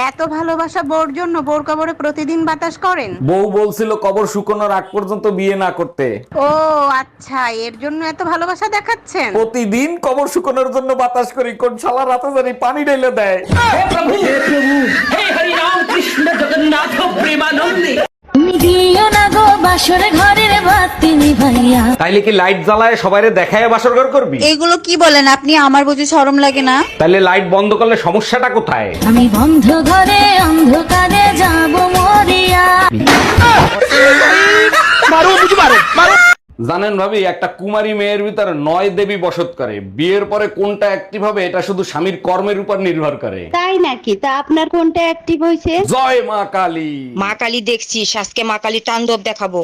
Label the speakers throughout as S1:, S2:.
S1: এত ভালোবাসা বোর জন্য বোর কবরে প্রতিদিন বাতাস করেন?
S2: বউ বলছিল কবর শুকানোর আগ পর্যন্ত বিয়ে না করতে।
S1: ও আচ্ছা, এর জন্য এত ভালোবাসা দেখাচ্ছেন।
S2: প্রতিদিন কবর শুকানোর জন্য বাতাস করি, কোন শালা রাতে জানি পানি ঢেলে দেয়। তাইলে কি লাইট জ্বালায় সবাইরে দেখায় বাসর ঘর করবি?
S1: এগুলো কি বলেন আপনি? আমার বুঝি শরম লাগে না?
S2: তাইলে লাইট বন্ধ করলে সমস্যাটা কোথায়?
S3: আমি বন্ধ ঘরে অন্ধকারে যাব মরিয়া।
S2: জানেন ভাবি, একটা কুমারী মেয়ের ভিতরে 9 দেবী বসত করে। বিয়ের পরে কোনটা অ্যাক্টিভ হবে এটা শুধু স্বামীর কর্মের উপর নির্ভর করে।
S4: তাই নাকি? তা আপনার কোনটা অ্যাক্টিভ হয়েছে?
S2: জয় মা কালী।
S5: মা কালী দেখছিস, আজকে মা কালী তাণ্ডব দেখাবো।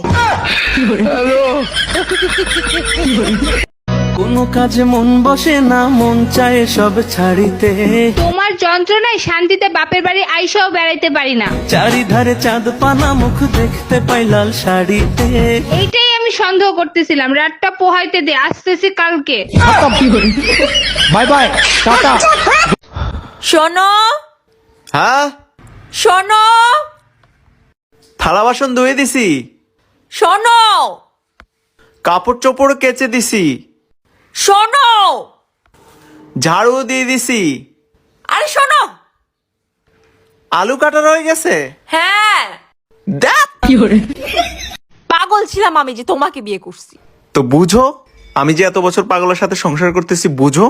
S6: কোনো কাজে মন বসে না, মন চায় সব ছাড়িতে।
S7: তোমার যন্ত্রণায় শান্তিতে বাপের বাড়ি আইসাও বেড়াইতে পারি না।
S6: চারিধারে চাঁদ পানা, মুখ দেখতে পাই লাল শাড়িতে।
S7: এইটাই আমি সন্দেহ করতেছিলাম। রাতটা পোহাইতে দে, আসতেছি কালকে।
S6: Bye bye, tata.
S8: শোনো
S6: হ্যাঁ,
S8: শোনো
S6: থালা বাসন ধুয়ে দিছি,
S8: শোনো
S6: কাপড় চোপড় কেচে দিছি,
S8: শোনো
S6: ঝাড়ু দিয়ে দিছি।
S8: আরে শোনো।
S6: আলু কাটা রয়ে গেছে।
S8: হ্যাঁ,
S6: দেখ,
S8: পাগল ছিলাম আমি যে তোমাকে বিয়ে করছি।
S6: তো বুঝো, আমি যে এত বছর পাগলের সাথে সংসার করতেছি, বুঝো।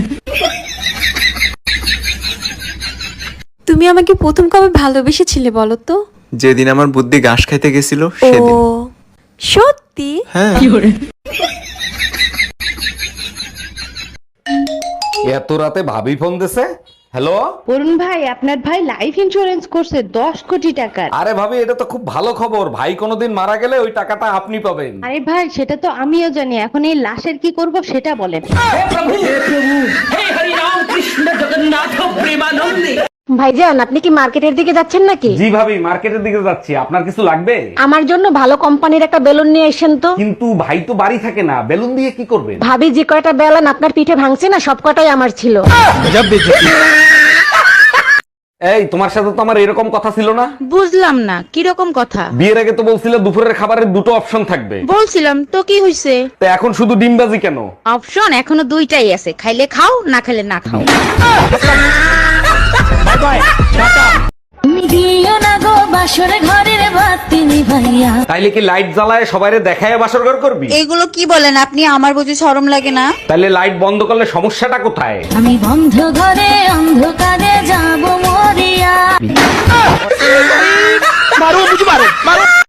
S9: তুমি আমাকে প্রথম কবে ভালোবেসেছিলে বলো তো?
S6: যেদিন আমার বুদ্ধি ঘাস খাইতে গেছিল
S9: ও
S6: সেদিন।
S9: সত্যি?
S6: হ্যাঁ।
S2: এত রাতে ভাবি ফোন দিছে। হ্যালো।
S4: অরুণ ভাই, আপনার ভাই লাইফ ইন্স্যুরেন্স করছে 10 কোটি টাকার।
S2: আরে ভাবি, এটা তো খুব ভালো খবর। ভাই কোনোদিন মারা গেলে ওই টাকাটা আপনি পাবেন।
S4: আরে ভাই, সেটা তো আমিও জানি। এখন এই লাশের কি করব সেটা বলেন।
S10: ভাইজান, আপনি কি মার্কেটের দিকে যাচ্ছেন নাকি?
S2: জি ভাবি, মার্কেটের দিকে যাচ্ছি। আপনার কিছু লাগবে?
S10: আমার জন্য ভালো কোম্পানির একটা বেলুন নিয়ে এসেন তো।
S2: কিন্তু ভাই তো বাড়ি থাকে না, বেলুন দিয়ে কি করবেন?
S10: ভাবি যে কয়টা বেলুন আপনার পিঠে ভাঙছে না, সব কটাই আমার ছিল।
S2: এই, তোমার সাথে তো আমার এরকম কথা ছিল না।
S1: বুঝলাম না কিরকম কথা।
S2: বিয়ের আগে তো বলছিলে দুপুরের খাবারের দুটো অপশন থাকবে।
S1: বলছিলাম তো, কি হইছে?
S2: তো এখন শুধু ডিমবাজি কেন?
S1: অপশন এখনো দুইটাই আছে, খাইলে খাও, না খাইলে না খাও।
S6: Bye bye, tata.
S3: তুমি দিও না গো বাসরে ঘরের বাতি নিভাইয়া।
S2: তাইলে কি লাইট জ্বালায় সবাইরে দেখায় বাসর ঘর করবি?
S1: এগুলো কি বলেন আপনি? আমার বুঝি শরম লাগে না?
S2: তাইলে লাইট বন্ধ করলে সমস্যাটা কোথায়?
S3: আমি বন্ধ ঘরে অন্ধকারে যাব মরিয়া।
S6: মারো, বুঝি মারো, মারো।